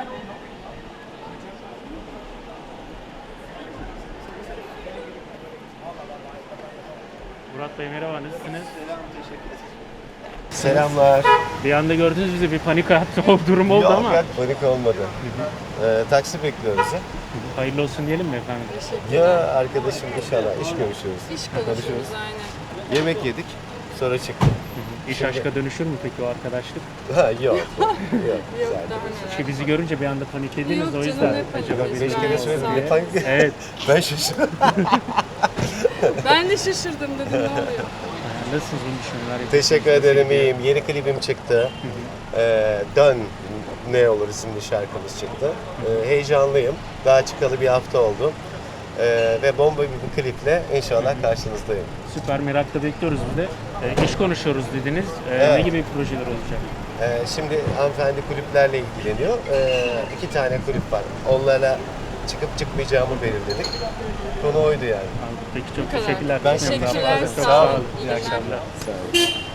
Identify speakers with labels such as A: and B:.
A: Murat Bey merhaba, nasılsınız?
B: Selamlar.
A: Bir anda gördünüz bizi, bir panik yaptı, o durum oldu ama.
B: Yok, panik olmadı. Taksi bekliyoruz ya.
A: Hayırlı olsun diyelim mi efendim?
B: Ya arkadaşım inşallah iş görüşüyoruz.
C: İş konuşuyoruz aynen.
B: Yemek yedik, sonra çıktık.
A: İş aşka dönüşür mü peki o arkadaşlık?
B: Ha yok. Yok.
C: Yok
B: Güzel.
C: daha neler.
A: Çünkü bizi görünce bir anda paniklediniz,
C: Yok
A: o
C: canım,
A: yüzden.
C: ne panik
A: Acaba
C: biz
A: bir
B: Beş
C: gayet
B: kere söyledim.
C: sakin.
B: Ne panik?
A: Evet.
B: Ben şaşırdım.
C: Ben de şaşırdım dedim ne oluyor.
A: Nasılsınız, iyi düşünceler yapıyorsunuz?
B: Teşekkür ederim, iyiyim. Yeni klibim çıktı. Dön Ne Olur isimli şarkımız çıktı. Heyecanlıyım. Daha çıkalı bir hafta oldu. Ve bomba bir kliple inşallah karşınızdayım.
A: Süper, merakla bekliyoruz biz de. İş konuşuyoruz dediniz. Ne
B: Evet.
A: gibi projeler olacak?
B: Şimdi hanımefendi kulüplerle ilgileniyor. 2 tane kulüp var. Onlara çıkıp çıkmayacağımı belirledik. Konu oydu yani.
A: Peki çok
C: kadar.
A: teşekkürler.
B: Ben
C: Teşekkürler,
A: Çok
C: sağ olun.
A: olun.
C: İyi
A: İyi akşamlar.
B: Sağ olun.